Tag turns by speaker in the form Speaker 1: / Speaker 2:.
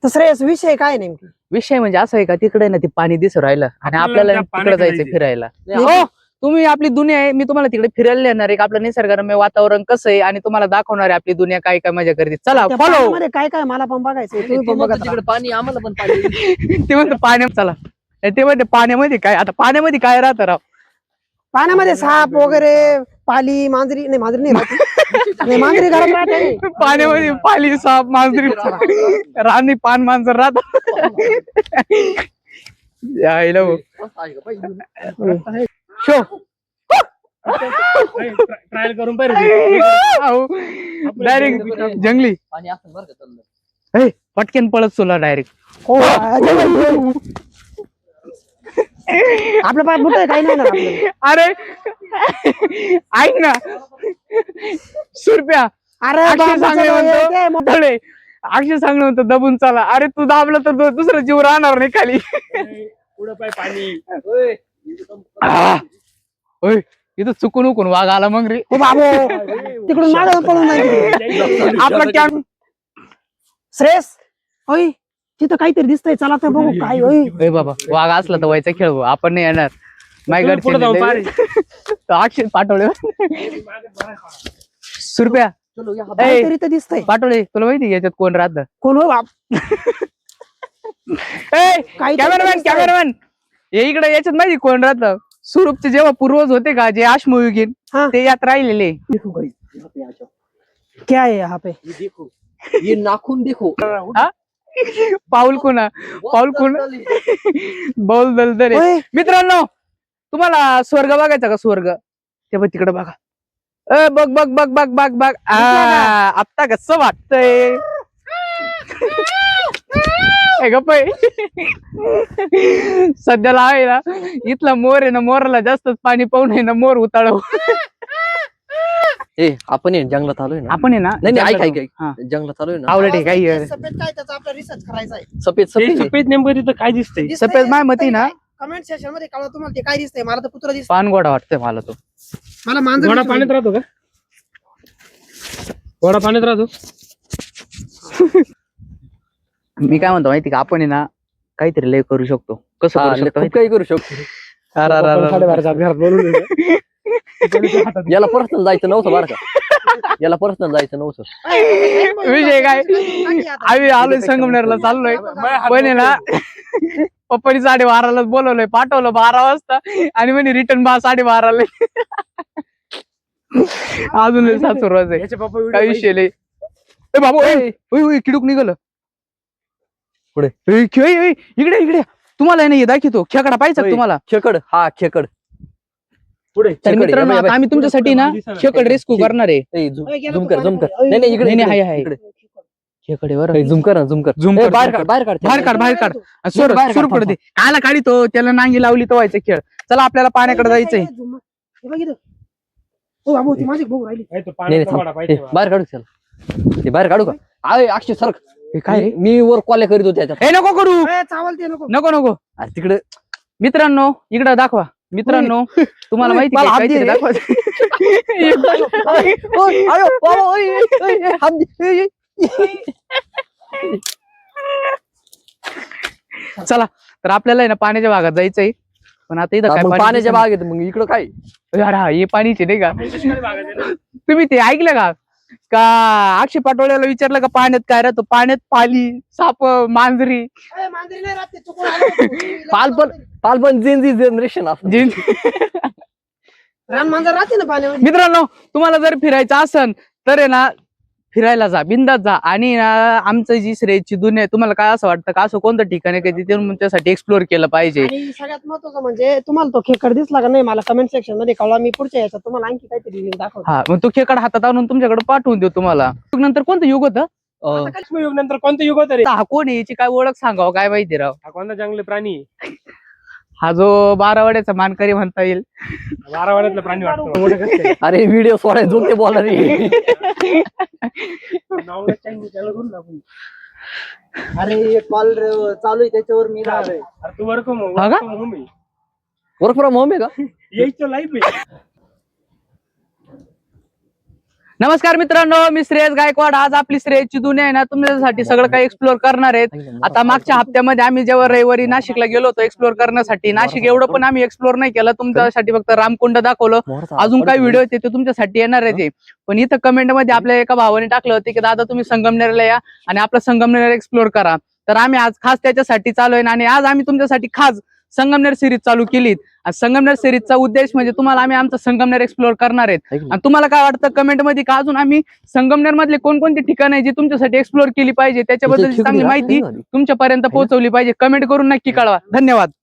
Speaker 1: तर श्रेयस विषय काय नेमकी?
Speaker 2: विषय म्हणजे असं आहे का, तिकडे ना ते पाणी दिसू राहिलं आणि आपल्याला तिकडे जायचं फिरायला.
Speaker 1: नाही.
Speaker 2: हो, तुम्ही आपली दुनिया आहे, मी तुम्हाला तिकडे फिरायला नेणार आहे. आपलं निसर्गरम्य वातावरण कसं आहे आणि तुम्हाला दाखवणार आहे आपली दुनिया काय काय मजा करते. चला
Speaker 1: त्या
Speaker 2: फॉलो.
Speaker 1: पाण्यामध्ये काय काय मला पण बघायचंय, तुम्ही पण बघत राहा.
Speaker 3: तिकडे पाणी आम्हाला पण पाणी.
Speaker 2: ते म्हणते पाण्यात चला. ते म्हणते पाण्यामध्ये काय, आता पाण्यामध्ये काय राहतं राव?
Speaker 1: पाण्यामध्ये साप वगैरे, पाली, मांजरी नाही, मांजरी नाही राहते. नाही, मांजरी घरात राहते.
Speaker 2: पाण्यामध्ये पाली, साप, मांजरी, राणी, पान, मांजर राहत. यायला हो. शो
Speaker 4: ट्रायल करून पाहिजे.
Speaker 2: डायरेक्ट जंगली
Speaker 3: पाणी असं बरं का चाललं.
Speaker 2: हे, पटकन पळत सोला डायरेक्ट.
Speaker 1: हो, आपलं पाय मोठं काही नाही ना आपल्याला.
Speaker 2: अरे ऐक ना सुरप्या,
Speaker 1: अरे
Speaker 2: अक्षय सांगणे म्हणतो
Speaker 1: मोठं
Speaker 2: धडे, अक्षय सांगणे म्हणतो दबून चला. अरे तू दाबलं तर दुसरा जीव राहणार नाही खाली.
Speaker 4: पुढं पाय पाणी.
Speaker 2: आ, ओय, इथं चुकून उकून वाघ आला मग रे.
Speaker 1: हो बाबो, तिकडून मागं पळून जाईल.
Speaker 2: आपला कॅम्प.
Speaker 1: श्रेयस, होय तिथं काहीतरी दिसतंय, चला तर बघू काय होय.
Speaker 2: ए बाबा, वाघ असला तर व्हायचा खेळ भाऊ, आपण नाही येणार. माझ्या
Speaker 4: पुढे जाऊ पारे.
Speaker 2: घरचे अक्षय पाठवले. सुरप्या,
Speaker 3: चलो या.
Speaker 1: काहीतरी तर दिसतंय.
Speaker 2: पाठवले. तुला माहिती याच्यात कोण राहत?
Speaker 1: कोण हो बाप?
Speaker 2: कॅमेरामॅन, कॅमेरामॅन, हे इकडे याच्यात माहिती कोण राहत? सुरूपचे जेव्हा पूर्वज होते का, जे अश्मयुगीन,
Speaker 1: हाँ.
Speaker 2: ते यात राहिलेले.
Speaker 1: क्या है यहाँ पे?
Speaker 3: ये देखो, ये नाखून देखो.
Speaker 2: हा? पाऊल कुणा, पाऊल कुण, बौल दलदल.
Speaker 1: होय.
Speaker 2: मित्रांनो, तुम्हाला स्वर्ग बघायचा का? स्वर्ग ते बघ तिकडे बघा. बघ बघ बघ बघ बघ बघ. आता कसं वाटतंय? गप्प सध्याला आहे ना, इथला मोर आहे ना, मोराला जास्तच पाणी पाहून आहे ना, मोर उताळव.
Speaker 3: ए आपण आहे जंगलात आलोय ना.
Speaker 2: आपण आहे ना,
Speaker 3: नाही नाही, ऐक ऐक
Speaker 2: हा.
Speaker 3: ऐक, जंगलात आलोय ना.
Speaker 2: आवडत आहे काही
Speaker 1: सफेद काय, त्याचा आपला रिसर्च करायचा आहे.
Speaker 3: सफेद सफेद आहे.
Speaker 4: सफेद नेमकं तिथं काय दिसतंय?
Speaker 2: सफेद माय मती ना,
Speaker 1: कमेंट सेक्शन मध्ये कळवा तुम्हाला ते काय दिसतंय. मला तर कुत्रा दिसत,
Speaker 2: पानगोडा वाटतंय मला तो.
Speaker 1: मला मांजर
Speaker 4: घोडा
Speaker 1: दिसतोय.
Speaker 4: पाण्यात राहतो का? घोडा पाण्यात राहतो.
Speaker 2: मी काय म्हणतो माहिती का, आपण आहे ना काहीतरी लय करू शकतो. कसं
Speaker 3: हा,
Speaker 2: करू शकतो?
Speaker 3: खूप काही करू शकतो.
Speaker 2: अरे, अरे, अरे, अरे.
Speaker 4: 12:30 घरात बोलून
Speaker 3: याला पर्सनल जायचं नव्हतं बरं का. याला पर्सनल जायचं नव्हतं.
Speaker 2: विषय काय, आम्ही आलोय संगमनेरला चाललोय, पण आहे ना पप्पानी 12:30लाच बोलवलंय, पाठवलं 12 वाजता आणि म्हणे रिटर्न 12:30ला. अजून सासू रोज आहे.
Speaker 4: याचे पप्पा
Speaker 2: काय विषय लय. ए बाबू, किडूक निघालं
Speaker 3: पुढे.
Speaker 2: इकडे इकडे. तुम्हाला आहे ना हे दाखवतो, खेकडा पाहिजे का तुम्हाला?
Speaker 3: खेकड, हा खेकड.
Speaker 4: पुढे
Speaker 2: तर
Speaker 3: खेकड,
Speaker 2: मित्रांनो,
Speaker 3: या बाई,
Speaker 2: आता आम्ही तुमच्यासाठी ना खेकड रेस्क्यू करणार आहे.
Speaker 3: ए, झूम कर झूम कर. नाही नाही, इकडे
Speaker 2: नाही,
Speaker 3: इकडे,
Speaker 2: आहे.
Speaker 3: इकडे.
Speaker 2: खेकडे वर
Speaker 3: झूम कर ना, झूम कर.
Speaker 2: Zoom
Speaker 3: ए,
Speaker 2: कर,
Speaker 3: बाहेर
Speaker 2: zoom
Speaker 3: काढ, बाहेर काढ.
Speaker 2: बाहेर काढ, बाहेर काढ.
Speaker 3: बाहेर काढ,
Speaker 2: सुरू पडते. कायला काढितो, त्याला नांगी लावली तो व्हायचं खेळ. चला आपल्याला पाण्याकडे जायचंय.
Speaker 1: हे बघ इथं. हो बाबू, ती माझी बघू राहिली.
Speaker 4: तो
Speaker 3: नाही
Speaker 4: पाण्यात
Speaker 3: नाही,
Speaker 4: घोडा
Speaker 3: थांब.
Speaker 4: पाहिजे.
Speaker 3: ए, बाहेर काढू त्याला. ते बाहेर काढू का? अरे अक्षय सरक.
Speaker 2: हे काय रे?
Speaker 3: मी वर कॉल करीत होते त्याच्यात.
Speaker 2: हे नको करू,
Speaker 1: ए, चावलते नको.
Speaker 2: नको नको.
Speaker 3: अरे तिकडे
Speaker 2: मित्रांनो इकडे दाखवा. मित्रांनो, तुम्हाला माहिती
Speaker 3: मला
Speaker 2: आहे
Speaker 3: हात
Speaker 2: काहीतरी
Speaker 3: दे.
Speaker 2: दाखवा.
Speaker 3: ओय, अयो, बाबा, ओय, ओय, ओय, हात दे. ओय, ओय.
Speaker 2: चला, तर आपल्याला आहे ना पाण्याच्या भागात जायचंय, पण आता इथं
Speaker 3: हा,
Speaker 2: काय
Speaker 3: मग
Speaker 2: पाणी
Speaker 3: पाण्याच्या
Speaker 2: दिसेना.
Speaker 3: बागेत मग इकडं काय?
Speaker 2: अरे हा, हे पाणीचे नाही का?
Speaker 4: दुष्काळी भाग आहे ना.
Speaker 2: तुम्ही ते ऐकलं का? अक्षय पाटोळ्याला विचारलं का पाण्यात काय राहतो? पाण्यात पाली, साप, मांजरी.
Speaker 1: ए, मांजरी नाही राहत ते, चुकून आलं होतं.
Speaker 3: पालपण जनरेशन असं.
Speaker 1: रान मांजर राहते ना पाण्यामध्ये.
Speaker 2: मित्रांनो, तुम्हाला जर फिरायचं असन तर आहे ना, फिरायला जा, बिंदात जा. आणि ना आमचं जी श्रेयची दुनिया आहे, तुम्हाला काय असं वाटतं का असं कोणतं ठिकाण आहे की तिथे तुमच्यासाठी एक्सप्लोर केलं पाहिजे?
Speaker 1: आणि सगळ्यात महत्वाचं म्हणजे तुम्हाला तो खेकड दिसला का नाही, मला कमेंट सेक्शन मध्ये कळवा. मी पुढच्या याच्यात तुम्हाला आणखी काहीतरी link दाखवतो.
Speaker 2: हा, मग तो खेकडा हातात आणून तुमच्याकडे पाठवून देऊ तुम्हाला. नंतर कोणतं युग होतं?
Speaker 3: अं,
Speaker 4: युग नंतर कोणतं युग होतं रे?
Speaker 2: हा कोण आहे, याची काय ओळख सांगावं काय माहिती राव.
Speaker 4: हा कोणता जंगली प्राणी आहे?
Speaker 2: हा जो 12 वाड्याचा मानकरी म्हणता येईल.
Speaker 4: 12 वाड्यातला प्राणी वाटतो. मोठं कसं आहे?
Speaker 3: अरे व्हिडिओ सोडाय जो ते बोलणार आहे.
Speaker 4: नाव नाही सांगितलं, त्याला करून टाकू.
Speaker 5: अरे कॉल चालू आहे त्याच्यावर मी राहिलोय.
Speaker 4: अरे तू वर्क होम
Speaker 2: हा का?
Speaker 4: आहे.
Speaker 3: वर्क फ्रॉम होम आहे का?
Speaker 4: यायचं लाईफ आहे.
Speaker 2: नमस्कार मित्रांनो, मी श्रेयस गायकवाड. आज आपली श्रेयसची दुनिया आहे ना तुमच्यासाठी सगळं काही एक्सप्लोर करणार आहेत. आता मागच्या हप्त्यामध्ये आम्ही जेव्हा रविवारी नाशिकला गेलो होतो एक्सप्लोर करण्यासाठी, नाशिक एवढं पण आम्ही एक्सप्लोर नाही केलं. तुमच्यासाठी फक्त रामकुंड दाखवलं. अजून काही व्हिडिओ ते तुमच्यासाठी येणार आहे. पण इथं कमेंट मध्ये आपल्या एका भावाने टाकलं होतं की दादा तुम्ही संगमनेरला या आणि आपला संगमनेर एक्सप्लोर करा. तर आम्ही आज खास त्याच्यासाठी चालू आहे आणि आज आम्ही तुमच्यासाठी खास संगमनेर सिरीज चालू केली. संगमनेर सिरीजचा उद्देश म्हणजे तुम्हाला आम्ही आमचं संगमनेर एक्सप्लोर करणार आहेत. आणि तुम्हाला काय वाटतं कमेंट मध्ये का अजून आम्ही संगमनेर मधले कोणकोणती ठिकाणं आहे जी तुमच्यासाठी एक्सप्लोर केली पाहिजे त्याच्याबद्दल चांगली माहिती तुमच्यापर्यंत पोहोचवली पाहिजे. कमेंट करून नक्की कळवा. धन्यवाद.